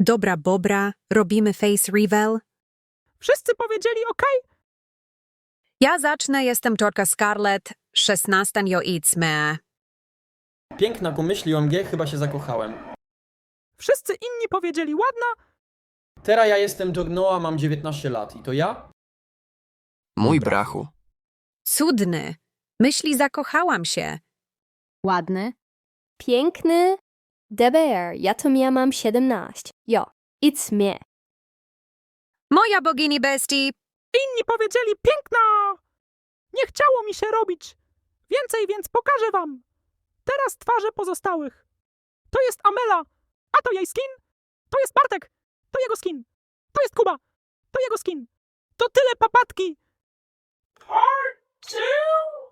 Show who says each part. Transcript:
Speaker 1: Dobra Bobra, robimy face reveal.
Speaker 2: Wszyscy powiedzieli OK?
Speaker 1: Ja zacznę, jestem Torka Scarlett, 16 idźmy.
Speaker 3: Piękna pomyśli OMG, chyba się zakochałem.
Speaker 2: Wszyscy inni powiedzieli ładna?
Speaker 3: Teraz ja jestem Jornoa, mam 19 lat. I to ja?
Speaker 4: Mój brachu.
Speaker 1: Cudny. Myśli zakochałam się.
Speaker 5: Ładny. Piękny. DBR, ja to mam 17. Jo, it's me.
Speaker 1: Moja bogini bestii.
Speaker 2: Inni powiedzieli piękna! Nie chciało mi się robić. Więcej, więc pokażę wam. Teraz twarze pozostałych. To jest Amela, a to jej skin. To jest Bartek, to jego skin. To jest Kuba, to jego skin. To tyle papatki. Part 2!